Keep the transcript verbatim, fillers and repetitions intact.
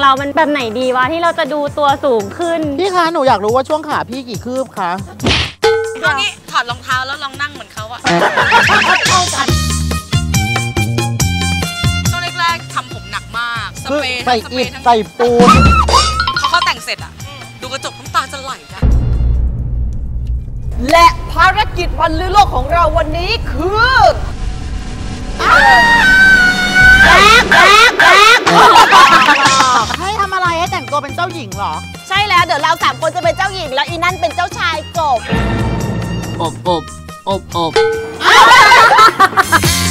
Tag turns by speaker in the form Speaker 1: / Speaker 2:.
Speaker 1: เรามันแบบไหนดีวะที่เราจะดูตัวสูงขึ้น
Speaker 2: พี่คะหนูอยากรู้ว่าช่วงขาพี่กี่คืบคะ
Speaker 3: เอางี้ถอดรองเท้าแล้วลองนั่งเหมือนเขาอะ
Speaker 2: เข้ากัน
Speaker 3: ช่วงแรกๆทำผมหนักมากสเปรย์
Speaker 2: ใส่อิฐใส่ปูน
Speaker 3: พอเขาแต่งเสร็จอะดูกระจกน้ำตาจะไหลนะ
Speaker 4: และภารกิจวันลือโลกของเราวันนี้คือ
Speaker 2: แบ๊กแบ๊กแบ๊กให้ทำอะไรให้แต่งตัวเป็นเจ้าหญิงเหรอ
Speaker 4: ใช่แล้วเดี๋ยวเราสามคนจะเป็นเจ้าหญิงแล้วอีนั่นเป็นเจ้าชายกบ
Speaker 2: อบอบอบอบ